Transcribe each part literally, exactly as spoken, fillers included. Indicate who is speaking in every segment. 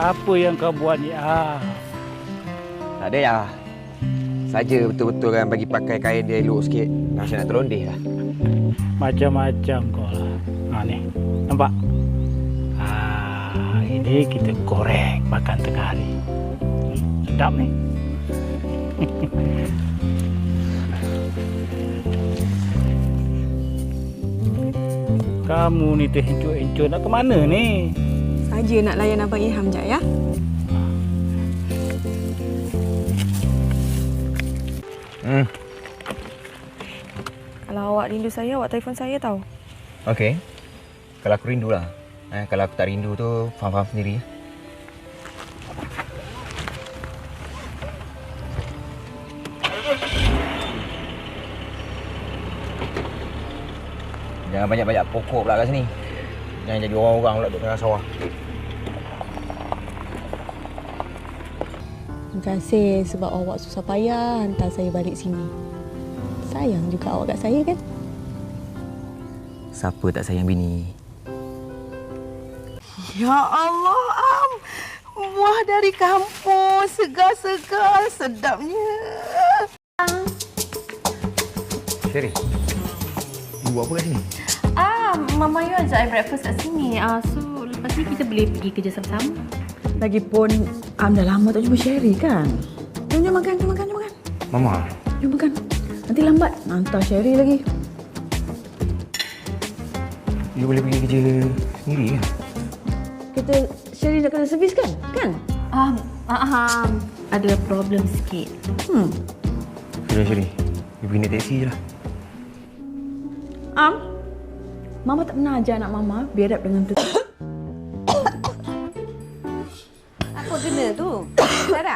Speaker 1: Apa yang kau buat ni? Ah.
Speaker 2: Tak ada ya. Saja betul-betul kan bagi pakai kain dia elok sikit. Rasa nak terlondeh lah.
Speaker 1: Macam-macam kau lah. Ha ni. Nampak? Ah, ini kita goreng makan tengah hari. Sedap ni. Kamu ni terhencut-hencut nak ke mana ni?
Speaker 3: Saja nak layan Abang Ilham jap ya.
Speaker 2: Hmm.
Speaker 3: Kalau awak rindu saya, awak telefon saya tau.
Speaker 2: Okey. Kalau aku rindu lah. Eh, kalau aku tak rindu tu, faham-faham sendiri. Jangan banyak-banyak pokok pula kat sini. Jangan jadi orang-orang pula duduk tengah sawah.
Speaker 3: Terima kasih sebab awak susah payah hantar saya balik sini. Sayang juga awak kat saya kan?
Speaker 2: Siapa tak sayang bini?
Speaker 4: Ya Allah, Am. Buah dari kampung, segar-segar, sedapnya.
Speaker 2: Sherry, you buat apa kat sini?
Speaker 5: Ah, Mama Yu ajak I breakfast kat sini. Ah, so lepas ni kita boleh pergi kerja sama-sama.
Speaker 4: Lagipun, Am dah lama tak jumpa Sherry kan? Jom, jom makan, jom makan, jom makan.
Speaker 2: Mama.
Speaker 4: Jom makan. Nanti lambat, hantar Sherry lagi.
Speaker 2: You boleh pergi kerja sendiri kan?
Speaker 4: Kita Sherry nak kena servis kan? Kan?
Speaker 5: Ah, ah, ah, ada problem sikit.
Speaker 4: Hmm.
Speaker 2: Sudah Sherry, you pergi naik teksi je lah.
Speaker 4: Am, Mama tak pernah ajar anak Mama berhadap dengan tu.
Speaker 6: Apa kena tu? Sarah?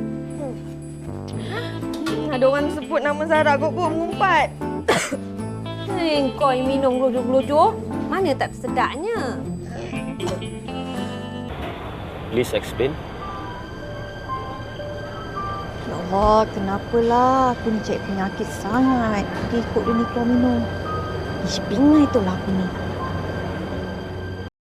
Speaker 3: Hmm, ada orang sebut nama Sarah kok kok mengumpat.
Speaker 6: Hei, kau yang minum gelojoh-gelojoh. Mana tak sedapnya?
Speaker 2: Please explain.
Speaker 7: Ya Allah, kenapalah aku ni cek penyakit sangat. Pergi ikut dia ni keluar minum. Ish, bingai itulah aku ni.